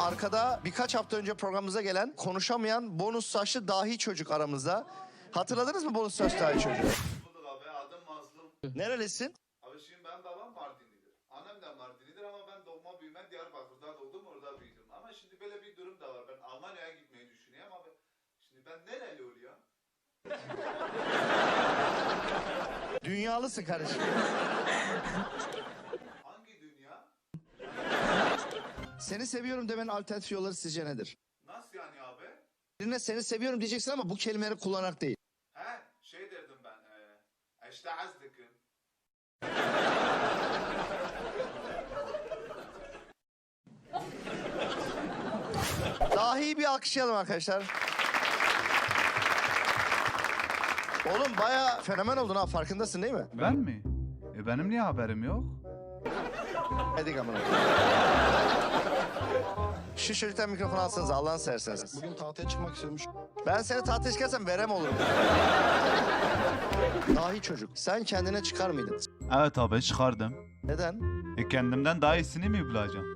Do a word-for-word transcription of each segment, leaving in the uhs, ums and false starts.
arkada birkaç hafta önce programımıza gelen konuşamayan bonus saçlı dahi çocuk aramızda. Hatırladınız mı bonus saçlı dahi çocuğu? Bulduk abi, adım Mazlum. Nerelisin? Abi şimdi benim babam Mardinlidir. Annem de Mardinlidir ama ben doğma büyüme Diyarbakır'da doğdum, orada büyüdüm. Ama şimdi böyle bir durum da var. Ben Almanya'ya gitmeyi düşünüyorum abi. Şimdi ben nereli oluyor? Dünyalısın kardeşim. Hangi dünya? Seni seviyorum demenin alternatif yolları sizce nedir? Nasıl yani abi? Birine seni seviyorum diyeceksin ama bu kelimeleri kullanarak değil. He, şey derdim ben. E, işte azdıkım. Dahi bir alkışlayalım arkadaşlar. Oğlum bayağı fenomen oldun ha, farkındasın değil mi? Ben mi? E benim niye haberim yok? Hadi amına. Şu çocuktan mikrofonu alsanız Allah'ını severseniz. Bugün tahtaya çıkmak istiyormuş. Ben seni tahtaya çıkarsam verem olurum. Dahi çocuk, sen kendine çıkar mıydın? Evet abi çıkardım. Neden? E kendimden daha iyisini mi bulacağım?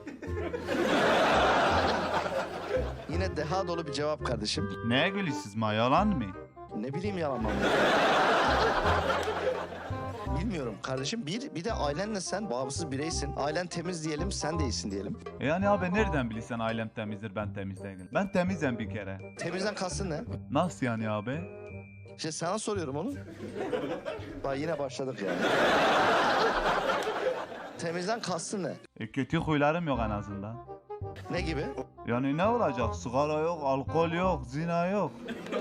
Yine deha dolu bir cevap kardeşim. Neye gülüyorsunuz ma, yalan mı? Ne bileyim yalan mı? Bilmiyorum kardeşim. Bir, bir de ailenle sen bağımsız bireysin. Ailen temiz diyelim, sen de iyisin diyelim. E yani abi nereden bilirsen ailem temizdir, ben temiz değilim. Ben temizim bir kere. Temizden kastın ne? Nasıl yani abi? İşte sana soruyorum onu. Bak yine başladık ya. Temizden kastın ne? E kötü huylarım yok en azından. Ne gibi? Yani ne olacak? Sigara yok, alkol yok, zina yok.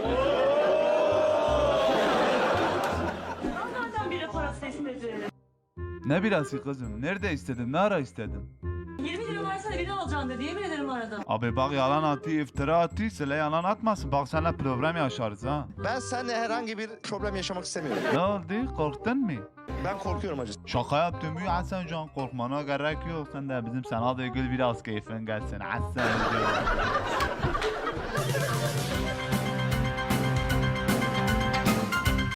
Nereden biri parası istedi? Ne birası kızım? Nerede istedin? Ne ara istedin? yirmi lira versene biri alacağım dedi. Yemin ederim aradım. Abi bak yalan atı, iftira atı, söyle yalan atmasın. Bak seninle problem yaşarız ha. Ben seninle herhangi bir problem yaşamak istemiyorum. Ne oldu? Korktun mu? Ben korkuyorum acı. Şaka yaptım ya Hasan Can, korkmana gerek yok. Sen de bizim sana da gül biraz keyfin gelsin Hasan Can.